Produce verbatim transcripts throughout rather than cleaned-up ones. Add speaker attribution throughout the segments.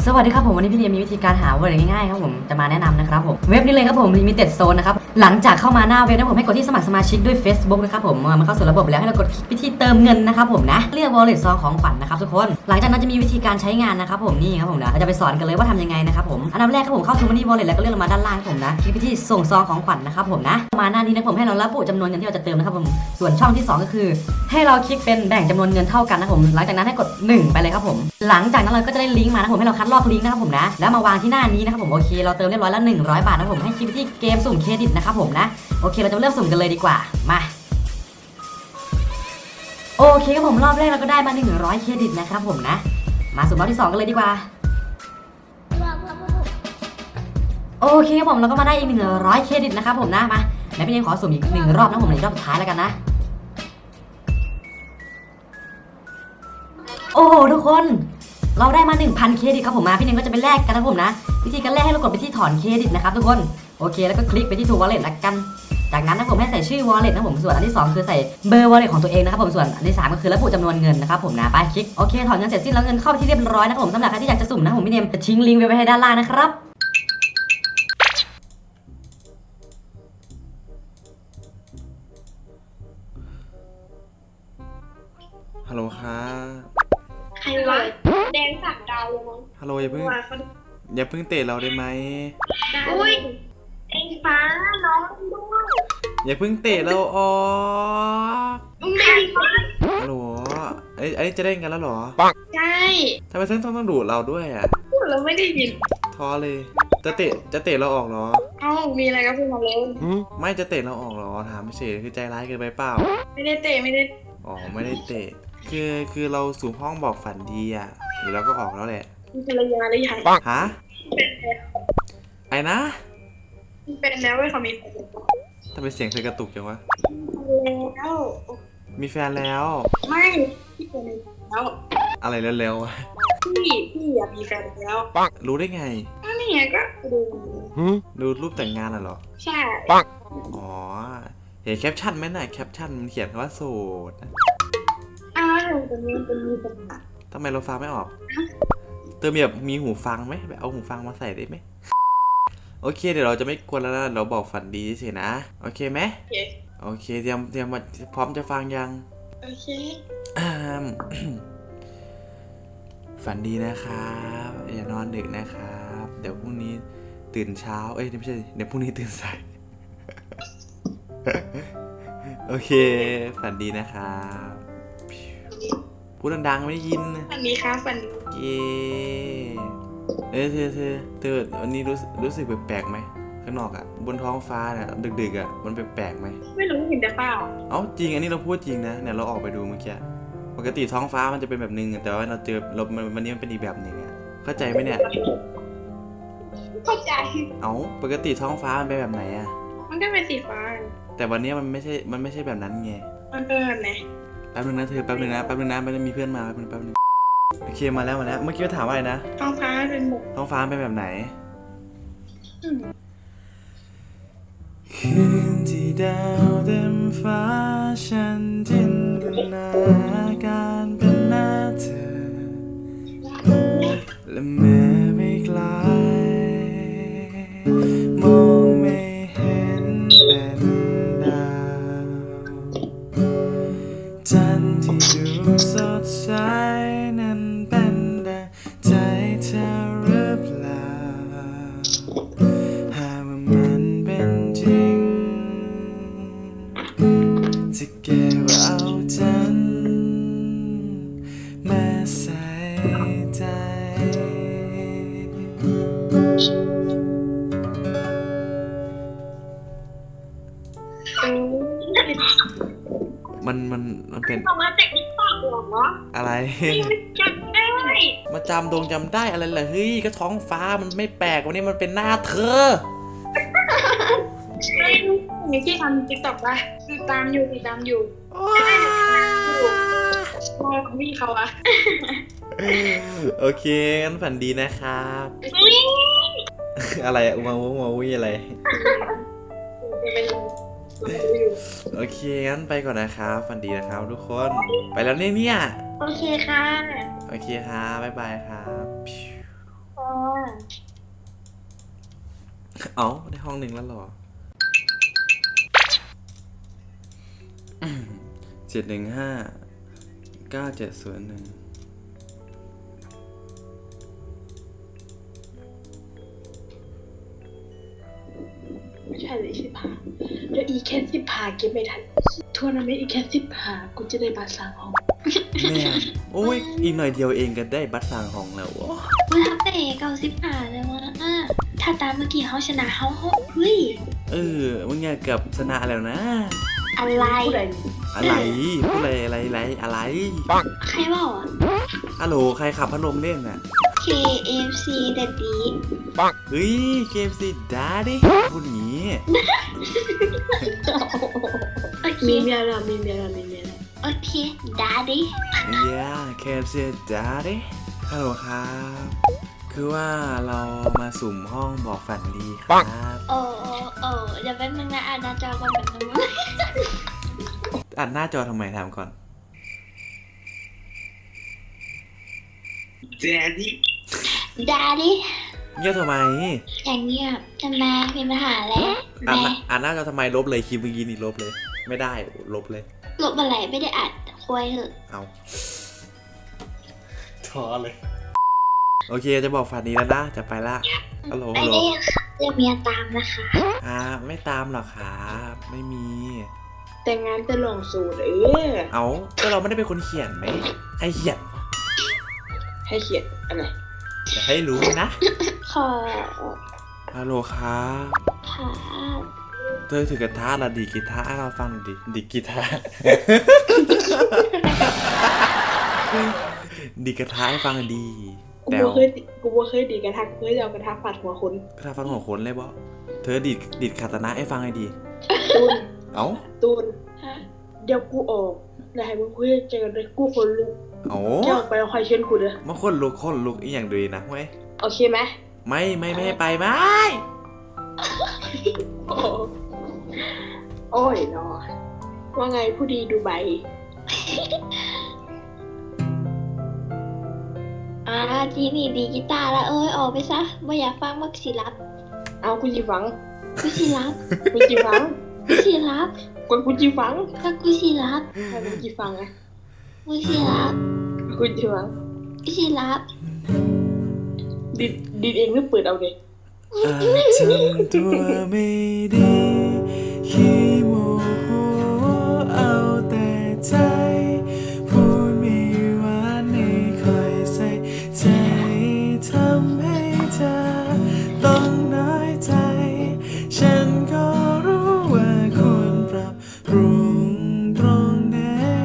Speaker 1: สวัสดีครับผมวันนี้พี่เนียมีวิธีการหาเวิร์ดง่ายๆครับผมจะมาแนะนำนะครับผมเว็บนี้เลยครับผม Limited Zone นะครับหลังจากเข้ามาหน้าเว็บนะผมให้กดที่สมัครสมาชิกด้วย Facebook นะครับผมเมื่อมันเข้าสู่ระบบแล้วให้เรากดคลิกไปที่เติมเงินนะครับผมนะเลือก Wallet ซองของขวัญนะครับทุกคนหลังจากนั้นจะมีวิธีการใช้งานนะครับผมนี่ครับผมนะเราจะไปสอนกันเลยว่าทำยังไงนะครับผมอันดับแรกครับผมเข้า Money Wallet แล้วก็เลื่อนลงมาด้านล่างผมนะคลิกไปที่ส่งซองของขวัญนะครับผมนะมาหน้านี้นะผมให้เราระบุจำนวนเงินที่เราจะเติมนะครับผมส่วนช่องที่สองก็คือให้เราคลิกเป็นแบ่งจำนวนเงินเท่ากันนะผมหลังจากนั้นให้กดหนึ่งไปเลยครับผมหลังจากนั้นเราก็จะได้ลิงก์มานะผมให้เราคัดลอกลิงก์นะครับผมนะแล้วมาวางที่หน้านี้นะครับผมโอเคเราเติมเรียบร้อยแล้วหนึ่งร้อยบาทนะผมให้คลิกไปที่เกมสุ่มเครดิตนะครับผมนะโอเคเราจะเริ่มสุ่มกันเลยดีกว่ามาโอเคครับผมรอบแรกเราก็ได้มาหนึ่งร้อยเครดิตนะครับผมนะมาสุ่มรอบที่สองกันเลยดีกว่าโอเคครับผมเราก็มาได้อีกหนึ่งร้อยเครดิตนะครับผมนะมาไหนพี่เนขอสุ่มอีกหนึ่งรอบนะผมในรอบสุดท้ายแล้วกันนะโอ้โหทุกคนเราได้มา หนึ่งพัน เครดิตครับผมมาพี่เนงก็จะไปแลกกันนะผมนะวิธีการแลกให้เรากดไปที่ถอนเครดิตนะครับทุกคนโอเคแล้วก็คลิกไปที่ True Wallet ละกันจากนั้นนะผมให้ใส่ชื่อ Wallet นะผมส่วนอันที่สองคือใส่เบอร์ Wallet ของตัวเองนะครับผมส่วนอันที่สามก็คือระบุจำนวนเงินนะครับผมนะไปคลิกโอเคถอนเงินเสร็จสิ้นแล้วเงินเข้าไปที่เรียบร้อยนะครับผมสำหรับใครที่อยากจะสุ่มนะผมพี่เนมจะทิ้งลิงก์ไว้ให้ด้านล่างนะครับ
Speaker 2: ฮัลโหลค่ะ
Speaker 3: ใครวะแดงสักดาวเลยมั้ง
Speaker 2: ฮัลโหลอย่าเพิ่งอย่าเพิ่งเตะเราได้ไหม
Speaker 3: อุ้ยเอ็งฟ้าน้องด้วย
Speaker 2: อย่าเพิ่งเตะเราออก
Speaker 3: มึงได้ยินไหม
Speaker 2: ฮัลโหลไอ้ไอ้จะได้กันแล้วเหรอ
Speaker 3: ใช่
Speaker 2: ทำไมท่านต้องต้องดูเราด้วยอ่ะ
Speaker 3: พูดแล้วไม่ได้ยิน
Speaker 2: ท้อเลยจะเตะจะเตะเราออกเหรอ
Speaker 3: เอ้ามีอะไรก็พูดมาเลย
Speaker 2: ไม่จะเตะเราออกเหรอถามไม่เฉยคือใจร้ายเกินไปเปล่า
Speaker 3: ไม่ได้เตะไม่ได้
Speaker 2: อ๋อไม่ได้เตะคือคือเราสู่ห้องบอกฝันดีอ่ะหรือเราก็ออกแล้วแหละ
Speaker 3: มีภรรยาหรือยัง
Speaker 2: ฮะไอ้นะ
Speaker 3: เป็นแล้วเว้ยเขามีแฟน
Speaker 2: ทำไมเสียงเธอกระตุกจังวะ
Speaker 3: แล้ว
Speaker 2: มีแฟนแล้ว
Speaker 3: ไม่พี่เป็นแล้ว
Speaker 2: อะไรแล้ว
Speaker 3: ๆพี่พี่อยากมีแฟนแล้ว
Speaker 2: รู้ได้ไง
Speaker 3: นี่ไงก็ดู
Speaker 2: ดูรูปแต่งงานอ่ะเหรอ
Speaker 3: ใช่
Speaker 2: อ๋อเห็นแคปชั่นไหมน่ะแคปชั่นมันเขียนคำว่าโสด
Speaker 3: อ้าวเป็นมีเป็นมีเป็น
Speaker 2: ทำไมเราฟังไม่ออกเติมแบบมีหูฟังไหมไปเอาหูฟังมาใส่ได้ไหมโอเคเดี๋ยวเราจะไม่กวนแล้วนะเราบอกฝันดีสินะโอเคไหม
Speaker 3: โอเค
Speaker 2: โอเคเตรียมเตรียมพร้อมจะฟังยัง
Speaker 3: โอเค
Speaker 2: ฝันดีนะครับอย่านอนดึกนะครับเดี๋ยวพรุ่งนี้ตื่นเช้าเอ้ยไม่ใช่เดี๋ยวพรุ่งนี้ตื่นสายโอเคฝันดีนะครับพูดดังๆไม่ได้ยิน
Speaker 3: ฝันดีครับฝันดี
Speaker 2: เย้เออเธอเธอเธอวันนี้รู้รู้สึกแปลกๆไหมข้างนอกอ่ะบนท้องฟ้าเนี่ยดึกๆอ่ะมันแปลกๆไหม
Speaker 3: ไม่รู้เห็นแต่เปล่า
Speaker 2: เอ้าจริงอันนี้เราพูดจริงนะเนี่ยเราออกไปดูเมื่อกี้ปกติท้องฟ้ามันจะเป็นแบบนึงแต่ว่าเราเจอเราวันนี้มันเป็นอีกแบบหนึ่งอ่ะเข้าใจไหมเนี่ย
Speaker 3: เข้าใจ
Speaker 2: เอ้าปกติท้องฟ้ามันเป็นแบบไหนอ่ะ
Speaker 3: มันก็เป็นสีฟ้า
Speaker 2: แต่วันนี้มันไม่ใช่มันไม่ใช่แบบนั้นไง
Speaker 3: มันเป็นแบบไหน
Speaker 2: แป๊บนึงนะเธอแป๊บนึงนะแป๊บนึงนะมันจะมีเพื่อนมาแป๊บนึงแป๊บนึงโอเคมาแล้วมาแล้วเมื่อกี้ถามว่าอะไรนะ
Speaker 3: ท้องฟ้าเป็นหมก
Speaker 2: ท้องฟ้าเป็นแบบไหนคืนที่ดาวเต็มฟ้าฉันจินตนาการเป็นหน้าเธอและเมื่อไม่ไกลมองไม่เห็นเป็นดาวจันทร์ที่ดูสดใสนั้นเป็นดังใจเธอหรือเปล่าหากว่ามันเป็นจริงจะเก็บเอาจันทร์มาใส่ใจมันมันมันเป็น
Speaker 3: มาจากติ๊กต็อกเหรอ
Speaker 2: อะไร
Speaker 3: จำได้
Speaker 2: มาจำดงจำได้อะไรล่ะเฮ้ยก็ท้องฟ้ามันไม่แปลกวันนี้มันเป็นหน้าเธอ
Speaker 3: มีที่ทำติ๊กต็อกป่ะติดตามอยู่ติดตามอยู่มองพี่เขาอะ
Speaker 2: โอเคงั้นฝันดีนะครับอะไรอะอุมาวุมาวุยอะไรโอเคงั้นไปก่อนนะครับฝันดีนะครับทุกคนไปแล้วเนี่ยเนี่ย
Speaker 3: โอเคค่ะ
Speaker 2: โอเคครับบ๊ายบายครับเอ้าได้ห้องหนึ่งแล้วหรอเจ็ดหนึ่งห้าเก้าเจ็ดศูนย์หนึ่ง
Speaker 4: ไม่ใช่เลยสิบห้าเดี๋ยวอีแค่สิบห้าเก็บไม่ทันทัวร์นาเมนต์อีแค่สิบห้ากูจะได้บัตรสามห้อง
Speaker 2: แม่โอ้ยอีกหน่อยเดียวเองก็ได้บัตรสร้างห้องแล้ววะ
Speaker 3: มันทำแต่เก้าสิบห้าเลยวะอ่ะถ้าตามเมื่อกี้เขาชนะเขาเฮ้ย
Speaker 2: เออมึงไงเกือบชนะแล้วนะ
Speaker 3: อะไร
Speaker 4: ผู้ใด
Speaker 2: อะไรพูดอะไรอะไรอะไรอะไร
Speaker 3: ใครบอกอ่ะ
Speaker 2: ฮัลโหลใครขับพัดลมเล่นน่ะ
Speaker 3: เค เอฟ ซี แดดดี้
Speaker 2: เฮ้ยเกมสิดาดิพูดงี้
Speaker 3: โอเค
Speaker 4: มีเมียแล้วมีเมียแล้วมีเมียแล้ว
Speaker 3: โอเคดาดี้
Speaker 2: เย้เกมสิดาดิฮัลโหลครับ คือว่าเรามาสุ่มห้องบอกฝันดีครับ
Speaker 3: โอ้โอ้โอ้เดี๋ยวแป๊บนึงนะอ่านหน้าจอก่อนแป๊บนึงนะ
Speaker 2: อัดหน้าจอทำไมถามก่อน
Speaker 3: ดาดี้
Speaker 2: เงียบทำไม
Speaker 3: อย่างเงียบทำไมมีปัญหาแล้ว
Speaker 2: อัดห
Speaker 3: แม่
Speaker 2: น้าอัดหน้าจอทำไมลบเลยคลิปเมื่อกี้นี่ลบเลย ไม่ได้ลบเลย
Speaker 3: ลบอะไรไม่ได้อัดคุยเถอะ
Speaker 2: เอาท้อเลย โอเคจะบอกฝันดีแล้วนะจะไปละฮัลโหล
Speaker 3: ไม่
Speaker 2: ฮัลโหล
Speaker 3: ได้ค่ะเดี๋ยวเมียตามนะคะ
Speaker 2: อ่าไม่ตามหรอกครับไม่มี
Speaker 4: แต่งงานจะลองสูตรเออ
Speaker 2: เอาก็เราไม่ได้เป็นคนเขียนไหมใครเขียน
Speaker 4: ให้เขียนอะไร
Speaker 2: อย่าให้รู้นะ
Speaker 3: ขอ
Speaker 2: ฮัลโหลครับ
Speaker 3: ค่ะ
Speaker 2: เธอถือกระทะละดีดกีตาร์ให้เราฟังหน่อยดิดีดกีตาร์ ดีดกระทะให้ฟังหน่อยดี
Speaker 4: กู
Speaker 2: แต่
Speaker 4: บ่เคยกูบ่เคยดีกระทะกูเคยเอากระทะฟาดหัวคน
Speaker 2: กระทะฟังหัวขนเลยบ่เธอดีดดีดคาตานะให้ฟังหน่อยดี
Speaker 4: ตูน
Speaker 2: เอ้า
Speaker 4: ตูน
Speaker 3: ฮะ
Speaker 4: เดี๋ยวกูออกแล้วให้มึงคุยเจอกันเลยกูคนลุก
Speaker 2: เอ้า
Speaker 4: เดี๋ยวออกไปแล้วคอยเชิญกูเด้อ
Speaker 2: มาคนลุกคนลุกอีกอย่างดีนะเว้ย
Speaker 4: โอเคไหม
Speaker 2: ไม่ไม่ไม่ให้ไปไม่
Speaker 4: โอ้โอ้ยเนาะว่าไงผู้ดีดูใบ
Speaker 3: อ่าทีนี่ดีกีตาร์แล้วเอ้ยออกไปซะไม่อยากฟังมักสิรับ
Speaker 4: เอากูจีฟัง
Speaker 3: กูสิรับ
Speaker 4: กูจีฟัง
Speaker 3: กูสิรับ
Speaker 4: กูกูจีฟัง
Speaker 3: ถ้ากูสิรับ
Speaker 4: ให้มึงจีฟังอะ
Speaker 3: กูสิรับ
Speaker 4: กูจีฟัง
Speaker 3: กูสิรับ
Speaker 4: ดิดดิดเองหรือเปิดเอาเด็ก
Speaker 2: อาจทำตัวไม่ดีขี้โมโหเอาแต่ใจพูดไม่หวานไม่ค่อยใส่ใจทำให้เธอต้องน้อยใจฉันก็รู้ว่าควรปรับปรุงตรงไหน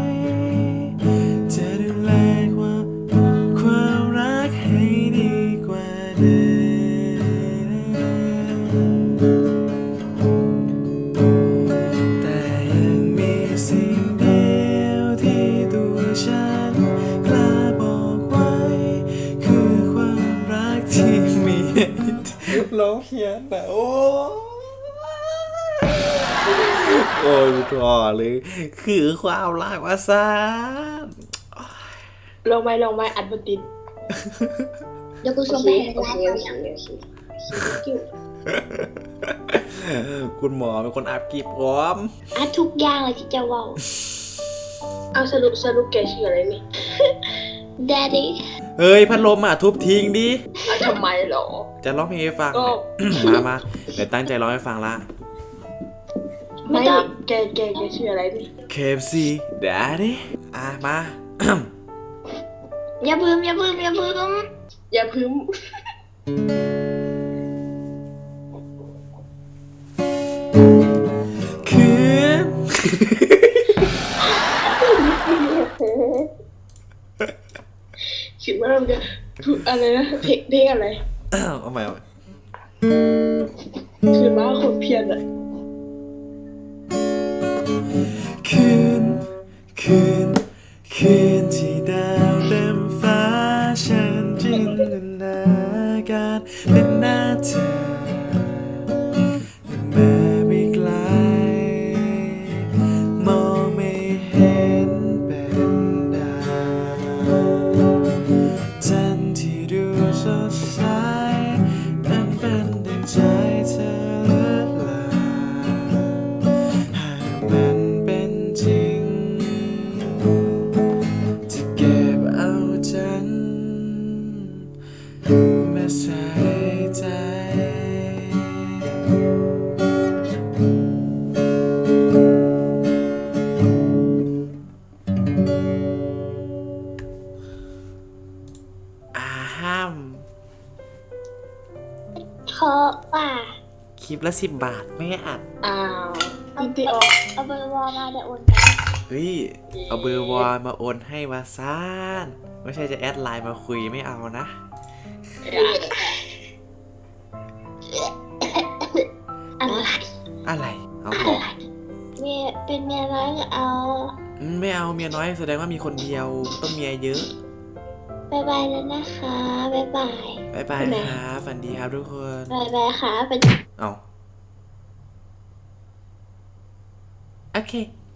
Speaker 2: จะดูแลความความรักให้ดีกว่าเดิมแต่ยังมีสิ่งเดียวที่ตัวฉันกล้าบอกไว้คือความรักที่มีร้องเพี้ยนแบบโอ้โอ้ยถอเลยคือความรักว่าซาน
Speaker 4: ลองไหมลองไหมอัดบนติด
Speaker 3: เดี๋ยวกู
Speaker 4: โอ
Speaker 3: ส่ง
Speaker 4: เค
Speaker 3: ไปให้
Speaker 4: โอ
Speaker 3: ไล
Speaker 4: เค
Speaker 3: ฟ์
Speaker 4: โอ
Speaker 3: เอา
Speaker 4: เค
Speaker 3: อย่าง
Speaker 4: โอเค
Speaker 2: คุณหมอเป็นคนอัพกีบพร้อม
Speaker 3: อ่ะทุกอย่างเลยที่จะเว่า
Speaker 4: เอาสรุปสรุปแกชื่ออะไรนี่
Speaker 3: Daddy
Speaker 2: เฮ้ยพัดลมอ่ะทุบทิ้งดิ
Speaker 4: เอาทำไมเหรอ
Speaker 2: จะร้องเพลงให้ฟัง
Speaker 4: ก็
Speaker 2: เนี่ย มามาเดี๋ยวตั้งใจร้องให้ฟังละ
Speaker 4: ไม่แกแกแกชื่ออะไรนี่
Speaker 2: เค เอฟ ซี Daddy อ่ะมา
Speaker 3: อย่าพึ่มอย่าพึ่มอย่าพึ่ม
Speaker 4: อย่าพึ่ม
Speaker 2: คืน
Speaker 4: คิดว่ามันจะถูกอะไรนะเพลงเพลงอะไร
Speaker 2: เอาใหม่เอาใหม่
Speaker 4: คือว่าคนเพี้ยนอะ
Speaker 2: คืน คืน คืนที่ดาวเต็มฟ้าฉันจินตนาการเป็นหน้าเธอแม้ไม่ไกลมองไม่เห็นเป็นดาวจันทร์ที่ดูสดใสนั้นเป็นดังใจเธอมาใส่ใจอาห้าม
Speaker 3: เพราะว่า
Speaker 2: คลิปละสิบบาทไม่อัด
Speaker 4: อ้าวอินติออก
Speaker 3: เอาเบอร์วอลมาเดี๋ยวโอนกัน
Speaker 2: เฮ้ย เอาเบอร์วอลมาโอนให้วาซานไม่ใช่จะแอดไลน์มาคุยไม่เอานะ
Speaker 3: อะไร
Speaker 2: อะไร เอาบอก
Speaker 3: เมียเป็นเมียน้อยก็เอา
Speaker 2: อืมไม่เอาเมียน้อยแสดงว่ามีคนเดียวต้องเมียเยอะ
Speaker 3: บายบายแล้วนะคะบายบาย
Speaker 2: บายบายครับฝันดีครับทุกคน
Speaker 3: บายบายค่ะเป็น
Speaker 2: เอาโอเค